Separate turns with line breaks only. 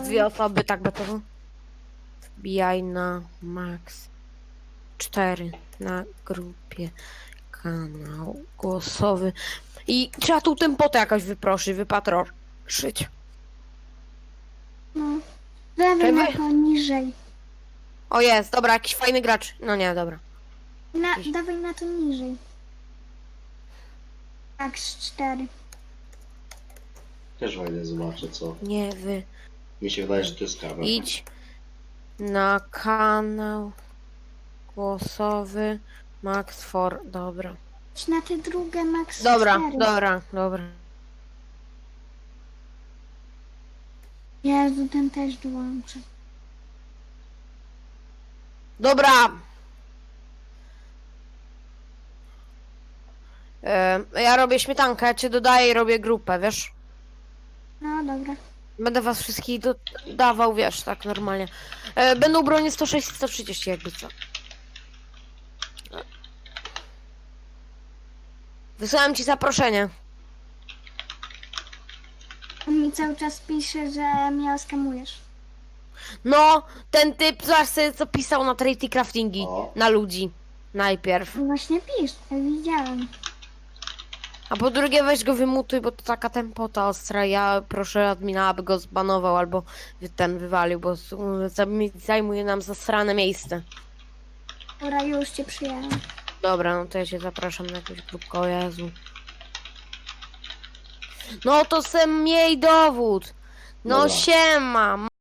2 osoby, tak gotowo. Wbijaj na max 4 na grupie kanał głosowy. I trzeba tu tempotę jakoś wypatroszyć.
No. Dawaj
Czekaj,
na to niżej.
O jest, dobra, jakiś fajny gracz. No nie, dobra.
Dawaj na to niżej. Max 4.
Też fajnie zobaczę, co.
Nie wy.
Mi się wydaje, że to jest kamer.
Idź na kanał głosowy Max 4. Dobra.
Idź na te drugie Max
Dobra,
4.
dobra.
Jezu, ten też dołączy.
Dobra. Ja robię śmietankę, ja cię dodaję i robię grupę, wiesz?
No dobra.
Będę was wszystkich dodawał, wiesz, tak normalnie. Będą bronie 106 i 130 jakby co. Wysłałem ci zaproszenie.
On mi cały czas pisze, że mnie oskamujesz.
No, ten typ zaś sobie co pisał na Trade Craftingi.
O.
Na ludzi. Najpierw.
Właśnie pisz, ja widziałem.
A po drugie weź go wymutuj, bo to taka tempota ostra. Ja proszę admina, aby go zbanował albo ten wywalił, bo zajmuje nam zasrane miejsce.
Dobra, już cię przyjąłem.
Dobra, no to ja cię zapraszam na jakąś grupkę, o Jezu. No to sem miej dowód. No
Dobra.
siema.